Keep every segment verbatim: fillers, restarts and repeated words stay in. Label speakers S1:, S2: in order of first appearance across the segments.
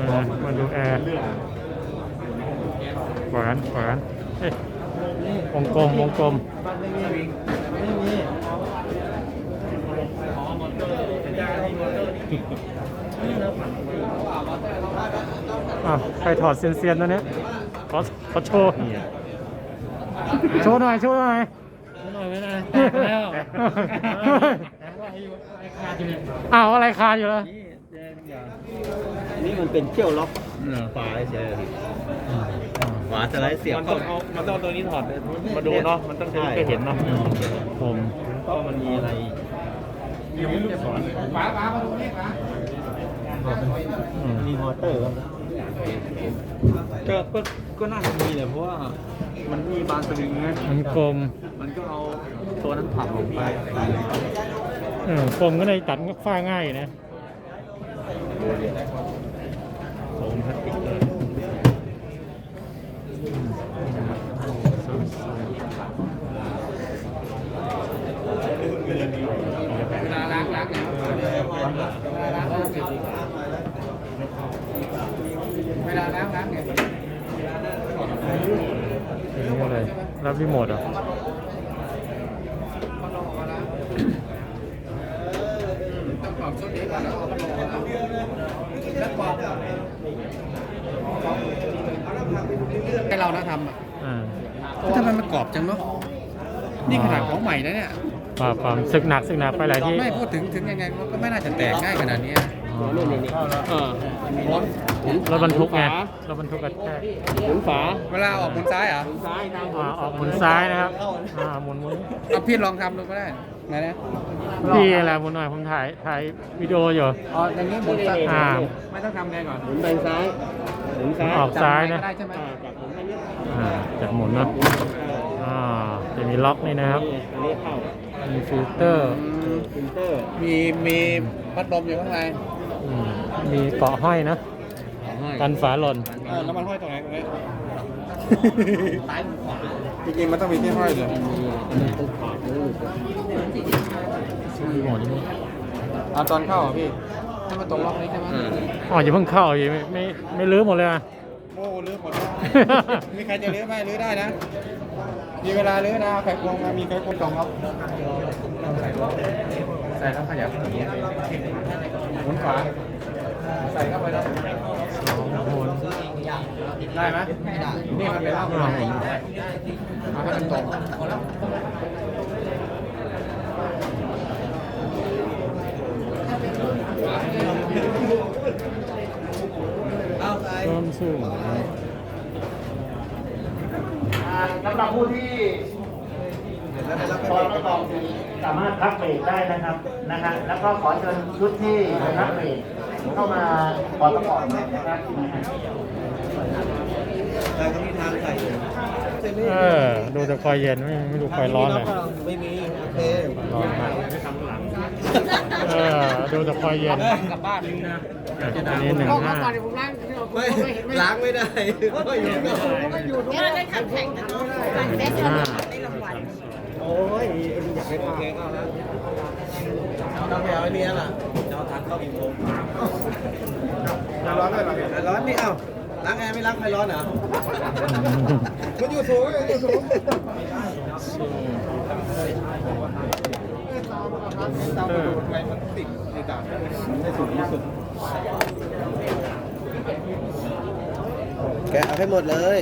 S1: มาดูแอร์ขวานขวานเฮ้ยวงกลมวงกลมอ่ะใครถอดเซียนๆตัวนี้ขอขอโชว์โชว์หน่อยโชว์หน่อย
S2: หน่อยไม่ได้แตกแล้ว
S1: อ้าวอะไรคาอยู่แล้ว
S3: นี่มันเป็นเขี้ยวล็อกฝาเฉยฝาสไลด์เสียบ
S2: มันต้องเอามันต้องตัวนี้ถอดมาดูเนาะมันต้องจะได้เห็นเนาะ
S1: ผม
S3: ก็มันมีอะไร
S2: ฝาฝามาดูนี่ฝา
S3: มีมอเตอร์ก็ก็ก็น่าจะมีแหละเพราะว่ามันมีบานสวิงไง
S1: มันกลม
S3: มันก็เอาตัวนั้นผลักลงไป
S1: เออกลมก็เลยตัดก็ฟ้าง่ายอยู่นะ
S3: โฟมพลาสติกเลย
S2: เวลาล้างล้างเนี่ยเวลาล้างล้างเวลาล้างล้างเนี่ย
S1: นี่อะไรรับรีโมทอ่ะ
S2: ต้องปรับชุดนี้ก่อนแล้วเอาพัดลมแล้วปรับให้เรานะทำอ่ะทำไมมันกรอบจังเนาะนี่ขนาดของใหม่นะเนี่ย
S1: ป่าป่าศึกหนักศึกหนักไปหลายที่
S2: ไม่พูดถึงถึงยังไงมันก็ไม่น่าจะแตกง่ายขนาดนี้
S3: นี่นี่นี่เออ
S1: รถบรรทุกไงรถบรรทุกกระแทก
S3: หมุนฝา
S2: เวลาออกหมุนซ้ายเหรอ
S3: หมุนซ้ายทาง
S1: ออกหมุนซ้ายนะครับอ่าหมุนหมุน
S2: เอาพี่ลองทำดูก็ได้ไหนนะ
S1: พี่อะไรหมุนหน่อยผมถ่ายถ่ายวิดีโออยู่
S2: อ๋ออย่างนี้หมุนซ้าย
S1: อ่า
S2: ไม่ต้องทำไงก่อน
S3: หมุนไปซ้ายหมุนซ้าย
S1: ออกซ้ายนะ
S2: ได้ใช่ไหม
S1: อ่าจับหมุนเนาะอ่าจะมีล็อกนี่นะครับมีฟิลเตอร์
S3: ฟิลเตอร์
S2: มีมีพัดลมอยู่ข้างใน
S1: มีเกาะห้อยนะกันฝาหล่น
S2: แล้วมันห้อยตรงไหนตรงนี้ซ้ายขวาจริงๆมันต้องมีที่ห้อยเลย
S1: หมดนี่
S2: เอาตอนเข้าอ่ะพี่ให้มันตรงล็อกนี้ใช่ไหม
S1: อ๋ออย่าเพิ่งเข้าอย่าไม่ไม่ไม่ลื้อหมดเลยอ่ะ
S2: โอ้ลื้อหมดมีใครจะลื้อไหมลื้อได้นะมีเวลาลื้อนะไข่ควงมามีไข่ควงตรงครับใส่แล้วขยับอย่างเงี้ยหมุนขวาใส่เข้าไปแล้วได้ไหมนี่มันเป็นร่างกายเอาให้มันตรง
S1: เพิ่มสูง
S2: สำหรับผู้ที่ตอนประกอบสามารถพักเบรกได้นะครับนะฮะแล้วก็ขอเชิญชุดที่พักเบรกเข้ามาขอประกอบนะครับ
S3: แต่ก็มีทางใส่
S1: เออดูแต่คอยเย็นไม่ไม่ดูคอยร้อนเลย
S3: ไม่มีโอเค
S1: ร้อนมากเออดูแต่คอยเย็น
S2: กลับบ้านนี่นะ
S1: อันนี้หนึ่งห้า
S3: ไม่ล้างไม่ได้ก็อยู่
S4: ก็อยู่ด้วยได้ทำแข่งกันการเฟสได้รางวัล
S3: โอ้ยอยากให้โอเคก็แล้วต้องไปเอาไอ้นี่ล่ะจะเอาทักเข้ากี่โมง
S2: ร้อนเลย
S3: ร้อนนี่เอ้าล้างแอร์ไม่ล้างใครร้อนเหรอ
S2: มันอยู่สูงอยู่สูงเออทำไมมันติดในกาบไม่สูงที่สุด
S3: แกะเอาให้หมดเลย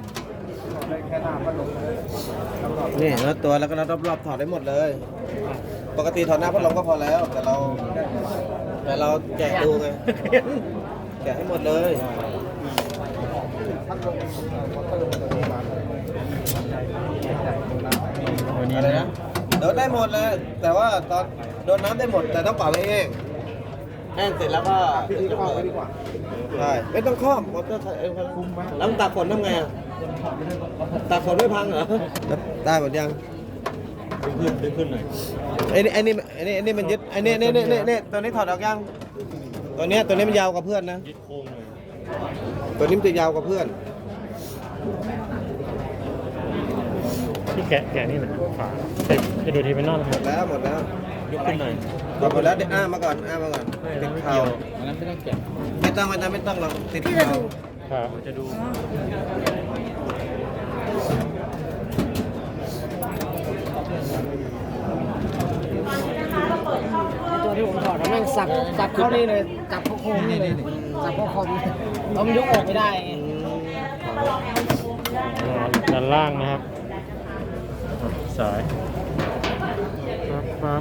S3: นี่แล้วตัวแล้วก็รอบๆถอดได้หมดเลยปกติถอดหน้าพัดลมก็พอแล้วแต่เราแต่เราแกะดูไงแกะให้หมดเลยอะไรนะโดนได้หมดเลยแต่ว่าตอนโดนน้ำได้หมดแต่ต้องเป่าให้แห้งแห้งเสร็จแล้วก็
S2: ครอบไปดีกว่า
S3: ใช่ไม่ต้องครอบมอเตอร์เองคุมไหมแล้วตากฝนทำไงอ่ะตากฝนไม่พังเหรอได้หมดยังดึงขึ้นดึงขึ้นหน่อยไอ้นี่ไอ้นี่ไอ้นี่ไอ้นี่มันยึดไอ้นี่นี่นี่นี่ตัวนี้ถอดออกยังตัวนี้ตัวนี้มันยาวกว่าเพื่อนนะยึดโค้งเลยตัวนี้มันจะยาวกว่าเพื่อน
S1: ที่แกะแกะนี่แหละฝาจะดูทีเป็นนอน
S3: หมดแล้วหมดแล้วยกขึ้นหน่อยถอดหมดแล้วเดี๋ยวอ้ามาก่อนอ้ามาก่อนติดเข่าไม่ต้องไม่ต้องไม่ต้องหรอกติดเข่า
S1: ครับจะดู
S5: ตัวที่ผมถอดแล้วแม่งสับสับเข้านี่เลยจับเข้าโค้งนี่เลยจับเข้าคอมเรามันยกออกไม่ได้ไง
S1: ด้านล่างนะครับสายครับครับ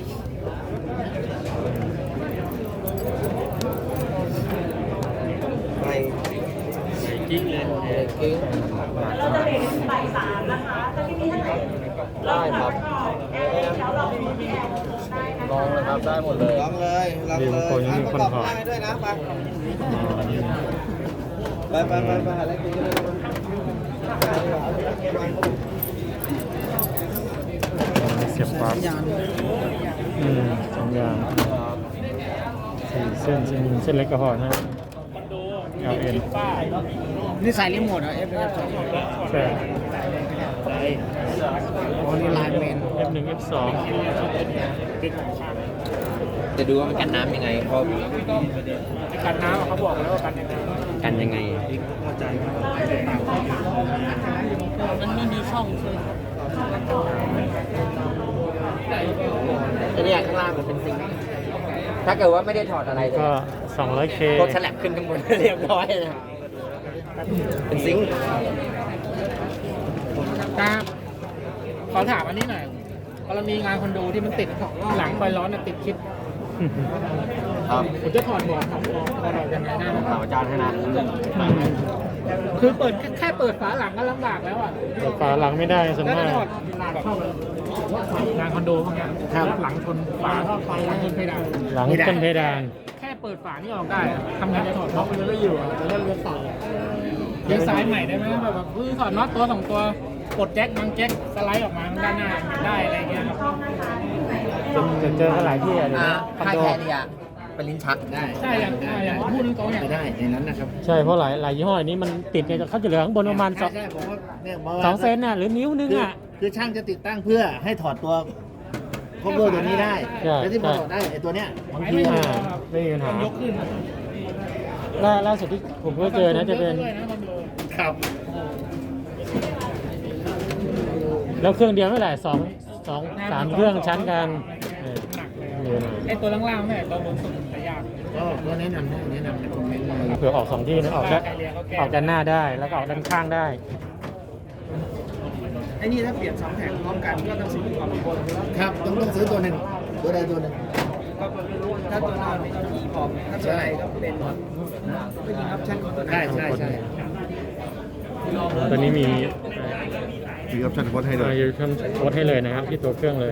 S3: ไป
S1: กิ๊กเลย
S3: กิ้ง
S4: เราจะเบรกบ่ายสามนะคะจะไม่มีท่านไหน
S3: ได้ครับ
S4: แอร์เดี๋ยวเราไม่มีแอร์ได้นะ
S3: ลองเลยครับได้หมดเลยลองเลยลองเลยอ่ะประกอบได้ด้วยนะไปไปไปไปอะไรกินกันเลย
S1: เสียบปลั๊กอืมสองอย่างสี่เส้นเส้นเส้นเล็กก็พอนะเอลเอ็น
S5: นี่ใส่รีโมทเหรอ เอฟ เอฟ สอง
S1: ใช่
S5: อ๋อนี่ไลน์แมน
S1: เอฟหนึ่งเอฟสอง
S3: จะดูว่ามันกันน้ำยังไงเขา
S5: กันน้ำเขาบอกแล้วว่ากันยังไง
S3: กันยังไง
S5: มันไม่มีช่องใช่ไหม
S6: อันนี้ข้างล่างมันเป็นซิงค์ถ้าเกิดว่าไม่ได้ถอดอะไรเลย
S1: ก็ สองร้อยเค
S6: กดฉลับขึ้นข้างบน เรียบร้อยนะเป็นซิงค์
S5: ครับขอถามอันนี้หน่อยกรณีงานคอนโดที่มันติดหลังไฟร้อนน่ะติดคิด
S6: ครับ
S5: ผมจะถอดบอร์ดครับถอดยังไงได้บ้าง
S6: ถามอาจารย์ให้นะ
S5: คือเปิดแค่เปิดฝาหลังก็ลำบากแล้วอ่ะ
S1: เปิดฝาหลังไม่ได้ส่วน
S5: แล้ว
S1: มา
S5: จะ
S1: ก
S5: ถอดงานคอนโดพวกเนี้ยหลังชนฝาท่อไฟหลังชนเพดาน
S1: หลังเป็นเพดาน
S5: แค่เปิดฝานี่ออกได้อะทำไงจะถอดน็อตมันไม่อยู่อ่ะจะเล่นเรือต่อดีไซน์ใหม่ได้ไหมแบบแบบคือถอดน็อตตัวสองตัวกดแจ็คบางแจ็คสไลด์ออกมาด้านหน้าได้อะไรเงี้ยครับ
S1: จะเจอกันหลายที่อะเดี๋ยว
S6: อ่า
S1: นี้คอน
S6: ค่าย
S1: โด
S6: แคร์เนี่ยเป็นลิ้นชักได้
S5: ใช่อย่างอ่าอย่างพูดตรงๆอย่าง
S6: ได้ในนั้นนะครับ
S1: ใช่เพราะหลายหลายยี่ห้อนี้มันติดเนี่ยเขาจะเหลือข้างบนประมาณสอง
S3: ใช่ผมว่าเนี่ยบอก
S1: สองเซนน่ะหรือนิ้วนึงอ่ะ
S3: คือช่างจะติดตั้งเพื่อให้ถอดตัวคอมเบอร์ตัวนี้ได้
S1: ใช่
S3: แล้วที่พอถอดได้ไอ้ตัวเนี้ยบางที
S5: ไม่
S1: อ่า
S5: มีครับ
S1: ไม่มีปัญหา
S5: ยกขึ้น
S1: ล่าล่าสุดที่ผมก็เจอนะจะเป็น
S5: ด้วยนะคอนโด
S3: ครับ
S1: แล้วเครื่องเดียวไม่หลายสองสองสามเครื่องชั้นกันเออ
S5: หนักเลย
S1: เดี๋ยวนะ
S5: ไอ้ตัวล่างๆเนี่ยตัวบนสุดแต่ยาก
S3: ก็ก็แนะนำให้แนะนำในคอมเมนต์เลย
S1: เผื่อออกสองที่นะออกได้ออกด้านหน้าได้แล้วก็ออกด้านข้างได้
S5: ไอ้นี่ถ้าเปลี่ยนสองแผงพร้อมกันก็ต้องซื้อก่อนบน
S3: ครับต้องต้องซื้อตัวหนึ่งตัวใดตัวหนึ่ง
S5: ถ้าตัวหน้าเป็นอีพอมถ้าตัวไหนก็เป็นก็ยิงออปชั่นของตัวไหน
S3: ใช่ใช่ใช่
S1: ตอนนี้มี
S3: มีออปชั่นโค้ดให้เล
S1: เอ่อย ยูทำโค้ดให้เลยนะครับ ที่ตัวเครื่องเลย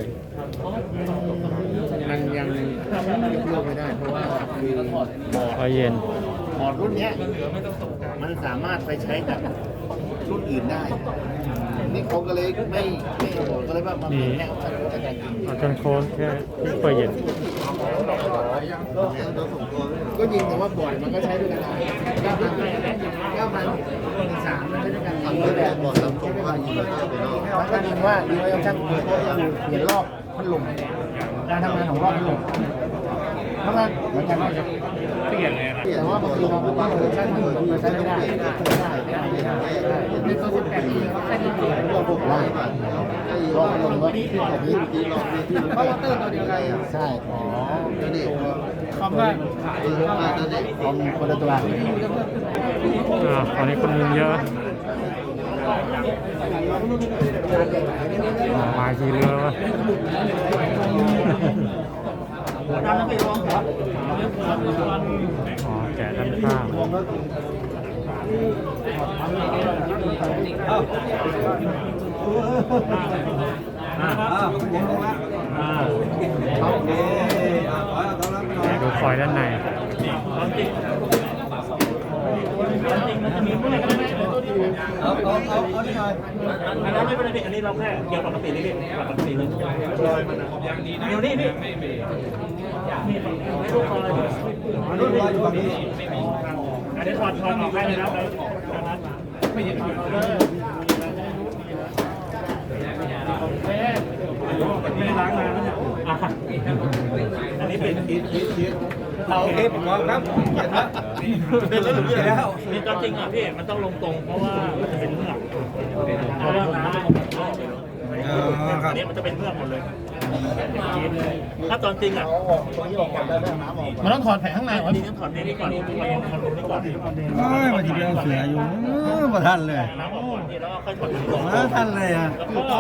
S3: มันยังยกเลิกไม่ได้ เพราะว่าคือ
S1: พอเย็น
S3: บอร์ดรุ่นเนี้ยมันสามารถไปใช้กับรุ่นอื่นได้ นี่เขาก็เลยไม่ไม่บอกก็เลยว่ามันเป็นแค่ออปชั่นโค้ดอาจารย์จริง
S1: เอาจนโค้ดแค่ที่เปิดเย็น
S3: ก็ยิงแต่ว่าบอร์ดมันก็ใช้ด้วยกันได้เก้าพันเก้าพันหนึ่งสามมันใช้ด้วยกันทำด้วยกันบอร์ดซัมซุงว่ายิงมันก็ยิงว่ายิงไว้ออปชั่นโค้ดก็คือเปลี่ยนรอบพัดลมการทำงานของรอบพัดลมทำงานเหมือนกันนะครับ
S1: เปลี่ยนเลยนะ
S3: แต่ว่าบางทีเราไม่ต้องเวอร์ชันอื่นมันใช้ไม่ได้ได้ได้ได้ได้
S5: ในตัวสิบแปดปีเขาแค่ดีเดียว
S3: เราพวกได้ลองลงว่าแบบนี้เพราะว่าเตอร์ตัวเดียวกันใช่อ๋อนั่นเอง
S5: คอมว่าขาย
S3: คอมคนละตัว
S1: อ่าตอนนี้คนมุงเยอะอ่ามาทีเรือวะอ๋อแกะด้านข้างดูคอยด้านใน
S3: เอาเอาเอาเอาหน่อย
S2: อันนั้นไม่เป็นไรอันนี้เราแค่เกี่ยวกับปกตินี่ปกติเลยลอยมันอย่างดีนะเดี๋ยวนี้พี่รุ่นลอยอยู่ฝั่งนี้อันนี้ถอดถอดออกให้เลยนะไม่เห็น
S5: ไม่ได้ล้างนานแล้วเนี่ย
S6: อ่ะอันนี้เป็น
S3: เอาโอเคผมมองครับเขียนนะเป็นแล้วหรือเปล่า
S6: นี่ก็จริงอ่ะพี่มันต้องลงตรงเพราะว่ามันจะเป็นเมือกเพราะว่าน้ำอันนี้มันจะเป็นเมือกหมดเลยถ้าตอนจริงอ่ะ
S5: มันต้องถอดแผงข้างใน
S6: วันนี้ต้องถอดนี้ก่อนถอดนี้ก่อน
S3: โอ้ยวันที่เดียวเสืออยู่มาทันเลย
S6: น้ำออกก่อนทีแล้วก็ค่อยถอดนี้ก่อน
S3: มาทันเลยอ่ะ
S6: แล้วก็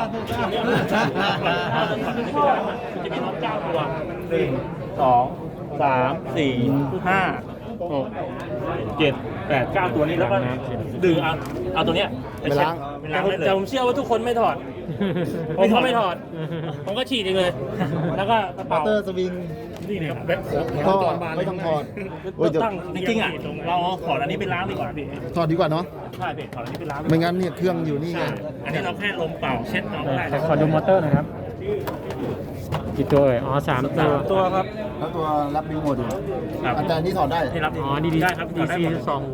S6: จะมีน็อตเก้าตัวหนึ่งสองสามสี่ห้าหกเจ็ดแปดเก้าตัวนี้แล้วก็ดึงเอาเอาตัวเนี้ยไปล้างไปล้างได้เลยแต่ผมเชื่อว่าทุกคนไม่ถอด ผมก็ไม่ถอด ผมก็ฉีดเองเลย แล้วก็กระเป๋า
S3: เตอร์สวิง
S6: นี่เนี่ยแบบ
S3: ก็ไม่ต้องถอด
S6: ตั้งจริงๆอ่ะเราเอาขอดอันนี้ไปล้างดีกว่าพี่
S3: ถอดดีกว่าเนาะ
S6: ใช่พี่ขอดอันนี้ไปล้าง
S3: ไม่งั้นเนี่ยเครื่องอยู่นี่ไง
S6: ใช่อันนี้เราแค่ลมเป่าเช็ดเอาได้
S1: ขอขอดูมอเตอร์หน่อยครับ กี่ตัวเอ่ยอ๋อสามตัว
S6: ตัวครับ
S3: แล้วตัวรับรีโมทอยู่
S6: ครับ
S3: อาจารย์ที่ถอดได้
S6: ที่รับ
S1: อ๋อดีดี
S6: ได้ครับ
S1: ดีซีสอง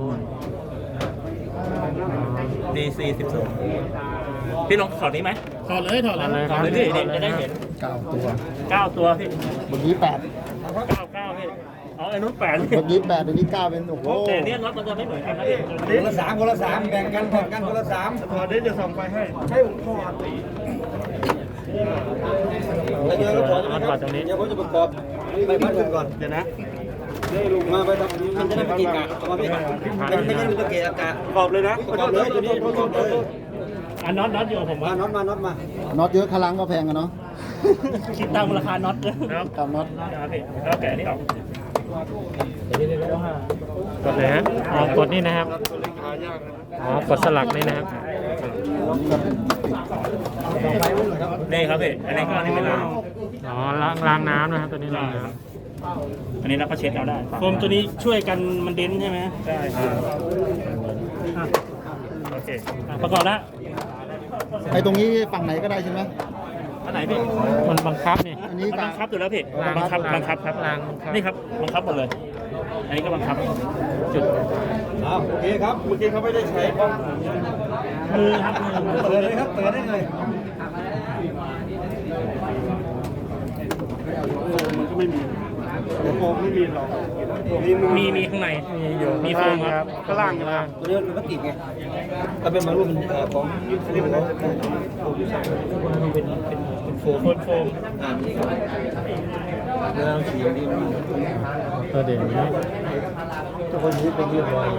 S6: ดีซีสิบสองพี่ลองถอดนี้ไหม
S5: ถอดเลยถอด
S1: อะไร
S5: เลย
S1: ครับ
S6: เลยพี่เด็กจะได้เห็น
S3: เก้าตัว
S6: เก้าตัวพี่
S3: เมื่อกี้แปด
S6: เก้าเก้าพี่อ๋อไอ้นู้นแปด
S3: เมื่อกี้แปดเดี๋ยวนี้เก้าเป็นโอ้โห
S6: แต่เนี่ยน็อตมันจะไม่เหมือนกันนะพี่
S3: คนละสามคนละสามแบ่งกันแบ่งกันคนละสาม
S6: ถอดได้จะส่งไปให้
S3: ใช่ผมถอดแล้วเดี๋ยวก็ถอดใช่ไหมครับเดี๋ยวผมจะประกอบไปพัดกันก่อนเดี๋ยวนะมาไปทำมันจะได้ไม่ติดกะมาพี่มันไม่ใช่มันจะเกะกะประกอบเลยนะประกอบเลยตัวนี้ประกอบเลย
S6: อันน็อตน็อตอยู่กับผม
S3: มา
S6: ว่า
S3: น็อตมาน็อตมาน็อตเยอะคลังก็แพงกันเนาะ
S6: คิดตามราคาน็อตเลยครับ
S3: ตามน็อต
S6: ครับพี่แล้วแกะนี่ออก
S1: กดเลยฮะอ๋อกดนี่นะครับ อ๋อกดสลักนี่นะครับ
S6: นี่ครับพี่อันนี้ก็อันนี้เป็นล้าง
S1: อ๋อล้างล้างน้ำนะครับตัวนี้ล้างน้
S6: อันนี้เราก็เช็ดเอาได้
S5: โฟมตัวนี้ช่วยกันมันเด่นใช่ไหม
S6: ใช่ครับอ่ะโอเคอ่ะประกอบแล้ว
S3: ไอ้ตรงนี้ฝั่งไหนก็ได้ใช่ไหม
S6: อันไหนพี่
S1: ำมันบังคับนี่
S3: อันนี้
S6: มัน
S3: กะ
S6: บังคับอยู่แล้วพี่
S1: ล้าง
S6: บังคับ
S1: ล้าง
S6: บังคับครับ
S1: ล้างบังคับ
S6: นี่ครับบังคับหมดเลย อันนี้ก็บังคับ
S1: จุด
S3: โอเคครับเมื่อกี้เขาไม่ได้ใช้ป้อง
S6: มือครับมือมือ
S3: เปิดเลยครับเปิดได้เลย
S5: มันก็ไม่มี
S3: โฟมไม่มีหรอก
S6: มีมีข้างใน
S1: มีอยู่
S6: มีโฟมครับ
S1: ข้างล่างล่าง
S3: ตัวนี้มันพลาสติกไงถ้าเป็นมารูปมันของยุทธเรียกว่าเป็นเป็นเป็นโฟม
S6: โฟมโฟม
S3: อ่าแล้วสีนี้มัน
S1: ตัวเด่นนี้
S3: ทุกคนนี้เป็นเรียบร้อย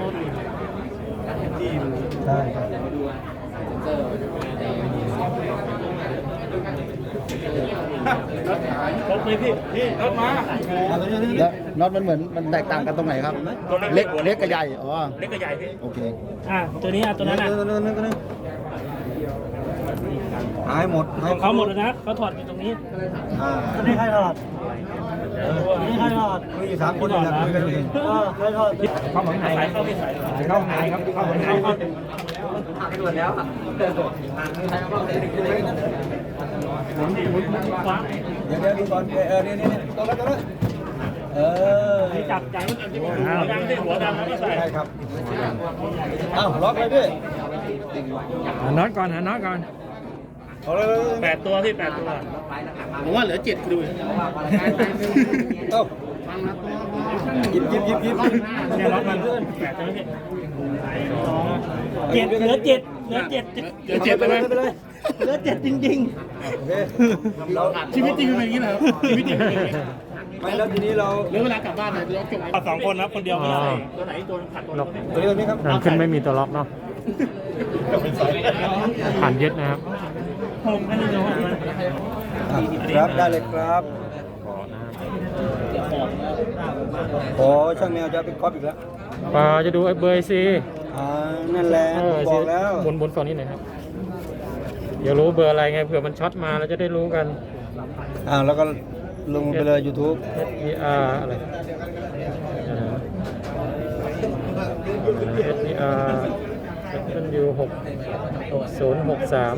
S3: ใช่ครับ
S6: ครบเลยพี่พี่รถมา
S3: แล้วน็อตมันเหมือนมันแตกต่างกันตรงไหนครับ
S6: ตัว
S3: เล็กเล็กกับใหญ่อ๋อ
S6: เล็กกับใหญ่พี่
S3: โอเค
S5: อ่ะตัวนี้อ่ะตัวนั้นอ่ะ
S3: หายหมด
S5: ของเขาหมดแล้วนะเขาถอดอยู่ตรงนี้
S3: อ่า
S5: อันนี้ใครถอดอันนี้ใครถอด
S3: มีอยู่สามคนอยู่นะคุยกันเอง
S5: เออใครถอด
S6: เข้าข้างในเข้าพี่สาย
S3: เข้าหายครับเข้าหายเข้า
S6: ฟ้า
S3: เดี๋ยวเดี๋ยวดูก่อนเออเนี่ยเนี่ยตรงนั้นตรงนั้นเออ
S6: จับใจมันเป็นที่หัวดำที่หัวดำแล้วก็ใส่
S3: ใช่ครับอ้าวล็อกเลยพี่
S1: หาน็อตก่อนหาน็อตก่อน
S3: เอาเลย
S6: แปดตัวพี่แปดตัว
S5: ผมว่าเหลือเจ็ดดู
S3: เอ้ายิบยิบยิบยิบ
S6: เนี่ยล็อกมันแปดตัวพี่
S5: เจ็ดเหลือเจ็ดเหลือเจ็ดเหลือเจ็ด
S3: ไปเลยไปเลย
S5: เหลือเจ็ดจริง
S3: โอเคเรา
S5: ๆ ชีวิตจริงเป็นอย่างนี้เหรอชีวิตจริงเป็นอย่างนี้
S3: ไม่แล้วทีนี้เรา
S5: เหลือเวลากลับบ้านหน่อยเดี๋ยวจบ
S6: เอาสองคนนะคนเดียวไม่ได้ตัวไหนตัวขัดตัว
S1: ล็อก
S3: ตัวนี้ตัวนี้ครับ
S1: ทางขึ้นไม่มีตัวล็อกเนาะผ่านยึดนะครับ
S6: ผมแค่นี้เดียว
S3: ครับได้เลยครับโอ้ช่างแมวจะเป็นก๊อปอีกแล้ว
S1: ปาจะดูไอ้เบอร์ซี
S3: อ่านั่นแหละ
S1: เออ
S3: บอกแล้ว
S1: บนบนฝั่งนี้หน่อยครับเดี๋ยวรู้เบอร์อะไรไงเผื่อมันช็อตมาเราจะได้รู้กัน
S3: อ่าแล้วก็ลงไปเลย YouTube
S1: S E R อะไร S E R เป็นยูหกหกศูนย์หกสาม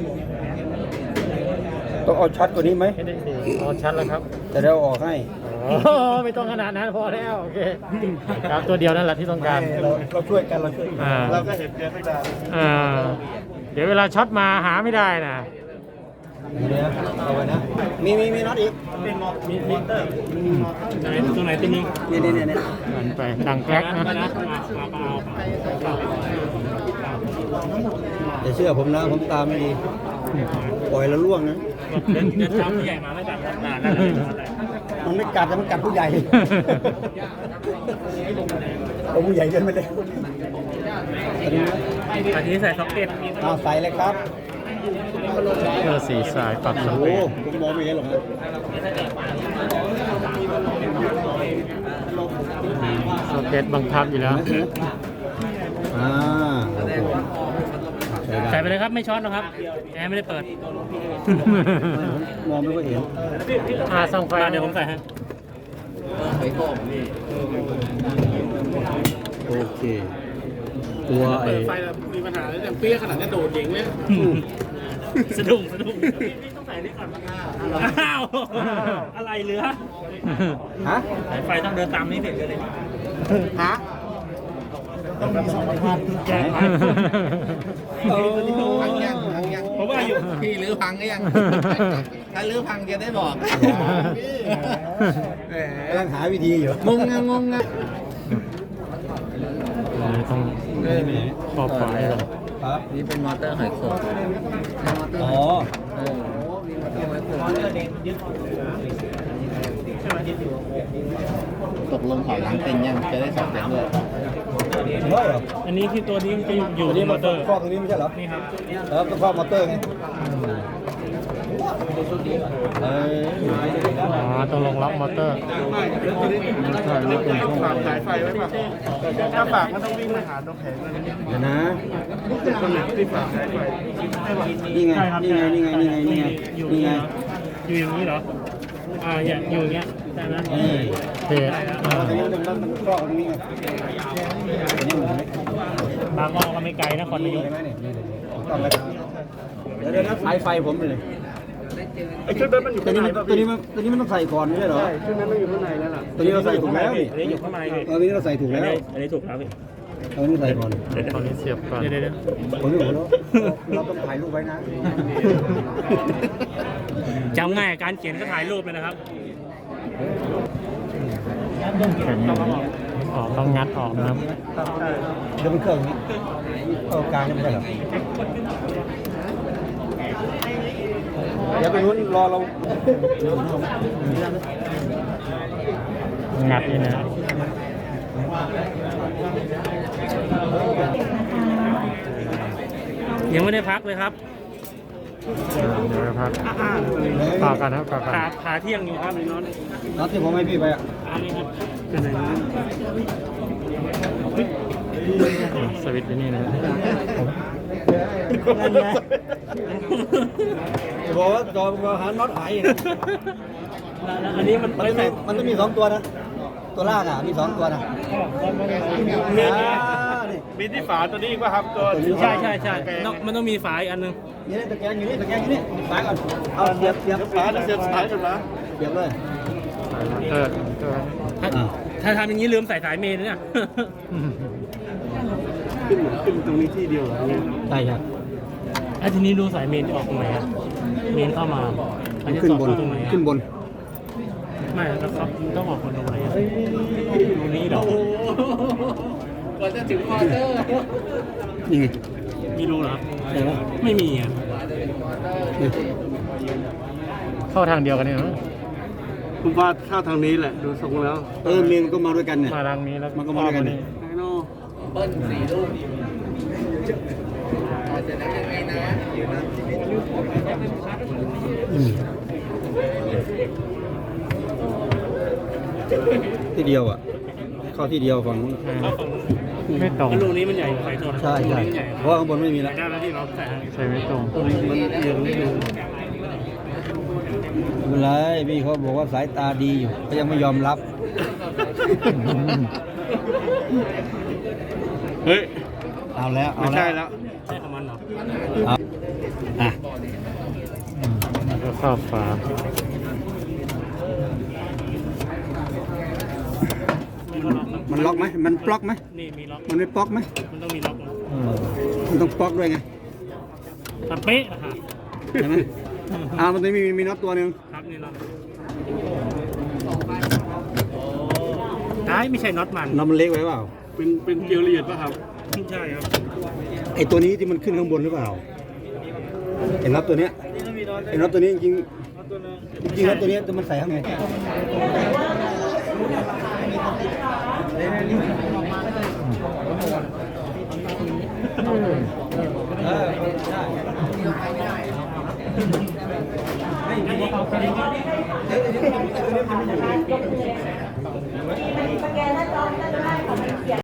S3: ต้องเอาชัดกว่านี้ไหม
S1: เอสเออ๋อชัดแล้วครับ
S3: แต่เดี๋ยวออกให้
S1: อ๋อไม่ต้องขนาดนั้นพอแล้วโอเคครับตัวเดียวนั่นแหละที่ต้องการ
S3: เราเราช่วยกันเราช่วยกัน
S1: อ่า
S3: เราก็เห็นเจอไม่ได้
S1: อ่าเดี๋ยวเวลาช็อตมาหาไม่ได้นะ
S3: เดี๋ยวเอาไว้นะ มีมีมีน็อตอีก
S2: เป็นมีมิเตอร์
S6: ไหนตรงไหนตัวนึง
S3: นี่นี่นี่
S1: หันไปดังแก๊กนะ
S6: นะนะมาเอา
S3: อย่าเชื่อผมนะ ผมตามไม่ดี ปล่อยแล้วล่วงนะ
S6: เดินเดินตามผู้ใหญ่มาไม่แบบนานนั่นแหละ
S3: มันไม่กัดแต่มันกัดผู้ใหญ่เอาผู้ใหญ่เดินไปเลย
S6: อันนี้ใส่ซ็อกเก็ต
S3: เอาใส่เลยครับ
S1: เพื่อสีสายปรับส
S3: โอ้
S1: เป
S3: โหผมมองไม่เห็นหรอกนะ
S1: สเก็ตบังคับอยู่แล้ว
S3: อ่า
S6: ใส่ไปเลยครับไม่ช็อตหรอกครับแอร์ไม่ได้เปิด
S3: มองไม่ค่อยเห็น
S1: อาส่องไฟ
S6: เดี๋ยวผมใส่ให้
S3: โอเค ตัวไอ้
S5: ไฟมีปัญหาแล้วแต่เปี้ยขนาดนี้โดดเองเลย
S6: สะดุ้งสะดุ้งต้องใส่นี่ก่อนอ้าวอะไรเหลือ
S3: ฮะ
S6: สายไฟต้องเดินตามนี้เด็ดเลย
S3: ฮะ
S6: แก้ไข
S3: โอ้
S5: พังยังพังยัง
S6: ผมว่าอยู่
S5: พี่รื้อพังก็ยัง ถ้ารื้อพังจะได้บอกแหม
S3: กำลังหาวิธีอยู่
S5: งงงงงง
S1: นี่ต้องขอบฝายก่อน
S3: ครับ
S5: นี่เป็นมอเตอร์หอยโขง
S3: อ๋อ
S5: ตกลงถอยหลังเป็นยังจะได้สอบเสร็จด้วย
S3: ร้อยเหรอ
S6: อันนี้ที่ตัวนี้มันจะอยู่
S3: อัน
S6: ที่
S3: นี้
S6: ม
S3: มั
S6: อน เตอร์
S3: ครอบตรงนี้ไม่ใช่เหรอ
S6: นี่ครับ
S3: แล้วต้องครอบมอเตอร์ไงเออ
S1: อ๋อต้องลงล็อกมอเตอร์
S5: ฝากสายไฟไว้ป่ะถ้าฝากมันต้องวิ่งไปหาตรงแผงเลย
S3: เดี๋ยวนะ
S5: คนไหนที่ฝากสายไฟ
S3: นี่ไง
S6: ใช่ครับ
S3: นี่ไง นี่ไง นี่ไง นี่ไง
S6: อยู่
S3: นี่ไง
S6: อยู่อย่างนี้เหรออ่าอย่างอยู่อย่างเงี้ยใช่ไหม
S3: นี่
S1: เพจ
S3: เอาตรงนี้มันมันมันครอบตรงนี้ไงอันนี้มันไม่
S6: บางอ้อก็ไม่ไกลนะคอนนายก
S3: ใช่ไหมเนี่ยนี่เลยต้องไปเดี๋ยวเดี๋ยวนะสายไฟผมเลย
S2: ไอ้ชุดนั้นมันอยู่
S3: ตัว
S2: ข้าง
S3: นี้
S2: ใน
S3: มัน
S2: ป่ะ
S3: ตัว
S2: พี่
S3: นี้มันตัวนี้มันต้องใส่ก่อนไม่ใช่เหรอ
S2: ใช่ชุดนั้นมันอยู่ข้างในแล้วล่ะ
S3: ตัวนี้เราใส่ถูกแล้วนี่
S6: อันนี้อยู่ข้างในพี่
S3: เออตัวนี้เราใส่ถูก
S6: อัน
S3: แล้ว
S6: นี้อันนี้ถูกครับพี่
S3: ตัวนี้ใส่ก่อน
S1: ตอนนี้เสียบก่อน
S6: เดี๋ยวเดี๋ยวเดี๋ยว
S3: ผมไม่บอกแล้วเราต้องถ่ายรูปไว้นะ
S6: จำง่ายการเขียนก็ถ่ายรูปเลยนะครับ
S1: แข็งออกต้องงัดออกนะครับ
S3: เดี๋ยวมันเครื่องนี้เข้ากลางนี่ไม่ใช่เหรอเดี๋ยวไปนู้นรอเรา
S1: งัดนี่นะ
S6: ยังไม่ได้พักเลยครับ
S1: เดี๋ยวพักต่อกันนะครับต่อกัน
S6: ขาขาเที่ยงอยู่ครับนี่น้อง
S3: น็อตที่ผมให้พี่ไปอ่ะ
S6: อันนี้ครับเป็นไหน
S1: สวิตช์ที่นี่นะ
S3: บอกว่าจอมหาน็อตหายอีก
S6: อันนี้มัน
S3: มัน
S6: ไม่
S3: ต้อง
S6: ใส่
S3: มีมันต้องมีสองตัวนะ ตัวล่างอ่ะ มีสองตัวนะ
S6: มี
S3: อ่านี่
S2: มีที่ฝาตัวนี้ป่ะครับตัว
S6: ใช่ใช่ใช่ต้องมันต้องมีฝาอีกอันหนึง
S3: นี่ตะแกรงอยู่นี่ตะแกรงอยู่นี่สายก่อน เอาเสียบเสียบ
S2: ฝาจะเสียบสายกันนะ
S3: เสียบเลย
S1: เออเออ
S6: ถ้า
S3: อ่า
S6: ถ้าทำอย่างนี้ลืมใส่สายเมนนะเนี่ย
S2: ขึ้นขึ้นตรงนี้ที่เดียวเหรอ
S3: ใช่ครับ
S6: ไอ้ทีนี้ดูสายเมนออกตรงไหนอะเมนเข้ามาอันนี้
S3: ขึ้น
S6: สอด
S3: บน
S6: เข้าตรงไหนอะ
S3: ขึ้นบน
S6: ไม่แล้วครับต้องออกคนตรงไหนอะตรงนี้เหรอ
S5: ก่อนจะถึงมอเตอร์
S3: นี่ไง
S6: มีรูเหรอครับ
S3: ใช่ไหม
S6: ไม่มีอ่ะ
S3: นี่
S1: เข้าทางเดียวกันเนี่ยนะ
S2: ผมว่าเข้าทางนี้แหละดูทรงแล้ว
S3: เออเมนก็มาด้วยกันเนี่ย
S1: มาทางนี้แล้ว
S3: มันก็มาด้วยกันเนี่ย
S2: ไอ้โน่
S5: เบิ้ลสี่ลูกเสร็จแล้วยังไงนะ
S3: อืมที่เดียวอ่ะ เข้าที่เดียวฝั่งนู้น
S1: ไม่ตรง
S6: รูนี้มันใหญ่กว่าไฟโทรนะ
S3: ใช่ใช่
S6: รูนี้มันใหญ่
S3: เพราะว่าข้างบนไม่มีแล้ว
S6: ได้แล้วที่เราใส่ให้
S1: ใช่ไม่ตรง
S3: มันเอียงนิดนึงไม่เป็นไรพี่เขาบอกว่าสายตาดีอยู่เขายังไม่ยอมรับ
S2: เฮ้ย
S3: เอาแล้ว เอา
S2: ไม่
S3: แล้
S2: ใช่
S3: ว
S2: แล้ว
S6: ใช่ของมันเหรอ
S3: เอาอ่ะ
S1: แล้วก็ครอบฝา
S3: มันล็อกไหมมันปล็อกไหม
S6: นี่มีล็อก
S3: มันไม่ปล็อกไหม
S6: มันต้องมีล็อกนะ
S1: อืม
S3: มันต้องปล็อกด้วยไง
S6: ถ้าเป๊ะอะค่ะ
S3: ใช่ไหมอ่ามันจะมีมีน็อตตัวหนึ่ง
S6: ครับนี่น็อตไอ้ไม่ใช่น็อตมัน
S3: น็อตมันเล็กไว้เปล่า
S6: เป็นเป็นเกลียวละเอียดป่ะครับใช่ครับ
S3: ไอตัวนี้ที่มันขึ้นข้างบนหรือเปล่าไอ้น็อตตัวเนี้ยไอ้น็อตตัวนี้จริงๆจริงๆน็อตตัวเนี้ยจะมันใส่ข้างใน
S2: ยก